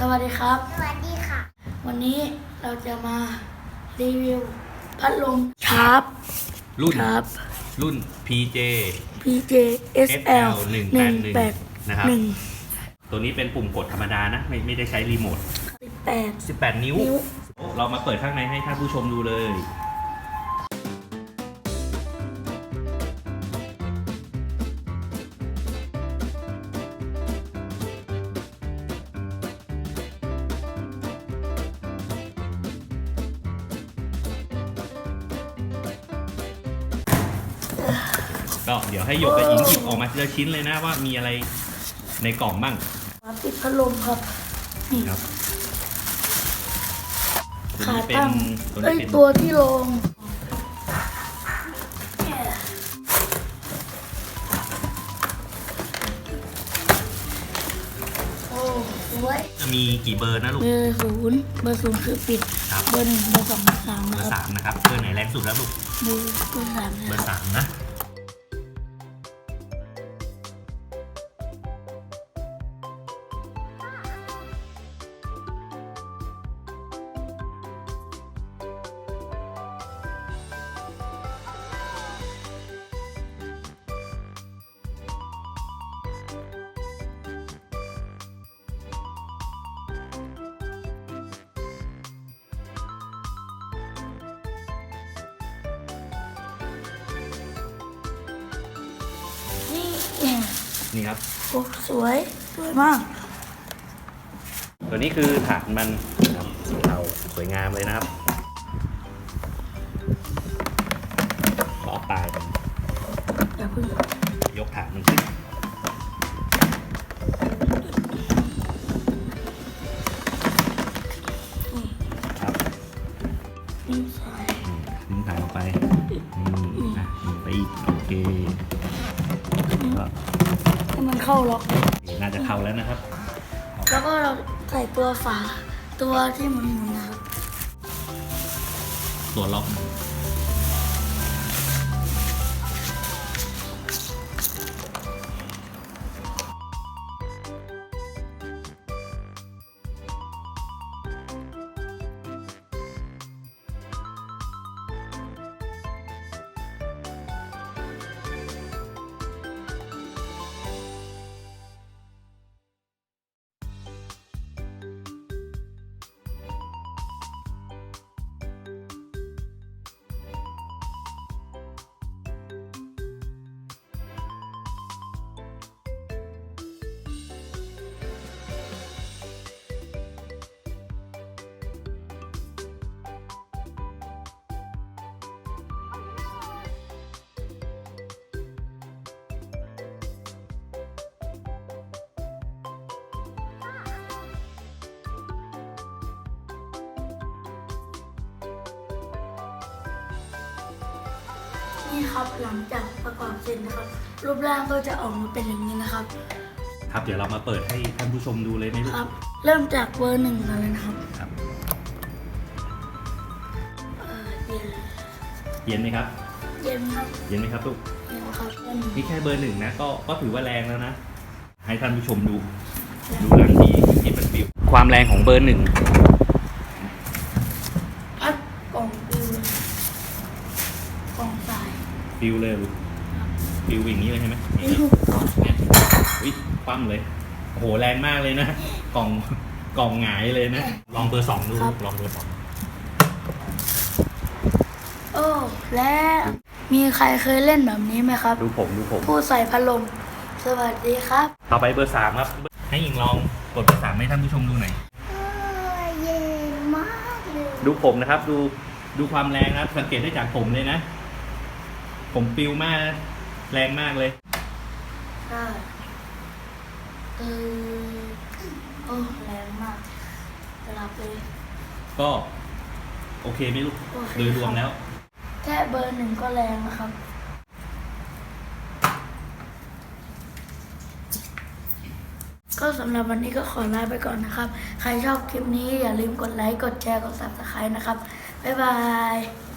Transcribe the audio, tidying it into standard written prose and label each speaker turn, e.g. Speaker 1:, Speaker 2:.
Speaker 1: วัสดีครับ
Speaker 2: สวัสดีค่ะ
Speaker 1: วันนี้เราจะมารีวิวพัดลมชาร์ป
Speaker 3: รุ่น PJ
Speaker 1: SL
Speaker 3: 181นะครับตัวนี้เป็นปุ่มกดธรรมดานะไม่ได้ใช้รีโมท18 นิ้วเรามาเปิดข้างในให้ท่านผู้ชมดูเลยก็เดี๋ยวให้หยกกับอิงหยิบออกมาทีละชิ้นเลยนะว่ามีอะไรในกล่องบ้าง
Speaker 1: ปิดพัดลมครับนี่
Speaker 3: ครับ
Speaker 1: ขาตั้งตัวที่ลงโอ้สวย
Speaker 3: จะมีกี่เบอร์นะลูก
Speaker 1: เบอร์ศูนย์คือปิดเบอร์ 1 เบอร์ 2 เบอร์ 3
Speaker 3: เบอร์ 3นะครับเบอร์ไหนแรงสุดแล้วลูก
Speaker 1: เบอร์ 3
Speaker 3: เบอร์ 3นะนี่ครับ
Speaker 1: โอ้สวยมาก
Speaker 3: ตัวนี้คือฐานมันครับสีเทาสวยงามเลยนะครับขอปลายมัน
Speaker 1: อย่าเพิ่ง
Speaker 3: ยกฐานมันขึ้นครับ
Speaker 1: ดึงสาย
Speaker 3: ออกไปไปอีกโอเค
Speaker 1: ให้มันเข้าล็อก
Speaker 3: น่าจะเข้าแล้วนะครับ
Speaker 1: แล้วก็เราใส่ตัวฝาตัวที่หมุนนะครับ
Speaker 3: ตัวล็อก
Speaker 1: นี่ครับหลังจากประกอบเสร็จนะครับรูปร่างก็จะออกมาเป็นอย่างนี้นะครับ
Speaker 3: ครับเดี๋ยวเรามาเปิดให้ท่านผู้ชมดูเลยไหมลูก
Speaker 1: ครับเริ่มจากเบอร์ 1กันเลยนะครับ
Speaker 3: เย็นไหมครับ
Speaker 1: เย็นครับ
Speaker 3: เย็นไหมครับลูก
Speaker 1: เย็นครับ
Speaker 3: นี่แค่เบอร์ 1นะก็ถือว่าแรงแล้วนะให้ท่านผู้ชมดูหลังที่มันปิวความแรงของเบอร์ 1
Speaker 1: พัดกล่องปิวกล่องสาย
Speaker 3: ปิวเลยปิวอย่างนี้เลยใช่ไหมอุ้ยปั้มเลยโอ้โหแรงมากเลยนะกล่องหงายเลยนะลองเบอร์ 2ดูลองเบอร์ 2
Speaker 1: โอ้แล้วมีใครเคยเล่นแบบนี้ไหมครับ
Speaker 3: ดูผม
Speaker 1: ผู้ใส่พัดลมสวัสดีครับ
Speaker 3: ต่อไปเบอร์ 3ครับให้หญิงลองกดเบอร์ 3ให้ท่านผู้ชมดูหน่อย
Speaker 2: เย็นมากเลย
Speaker 3: ดูผมนะครับดูความแรงนะสังเกตได้จากผมเลยนะผมปิวมากแรงมากเลย
Speaker 1: ใช่โอ้แรงมากจะรับเลย
Speaker 3: ก็โอเคไหมลูกโดยรวมแล้ว
Speaker 1: แค่เบอร์ 1ก็แรงนะครับก็สำหรับวันนี้ก็ขอลาไปก่อนนะครับใครชอบคลิปนี้อย่าลืมกดไลค์กดแชร์กด Subscribe นะครับบ๊ายบาย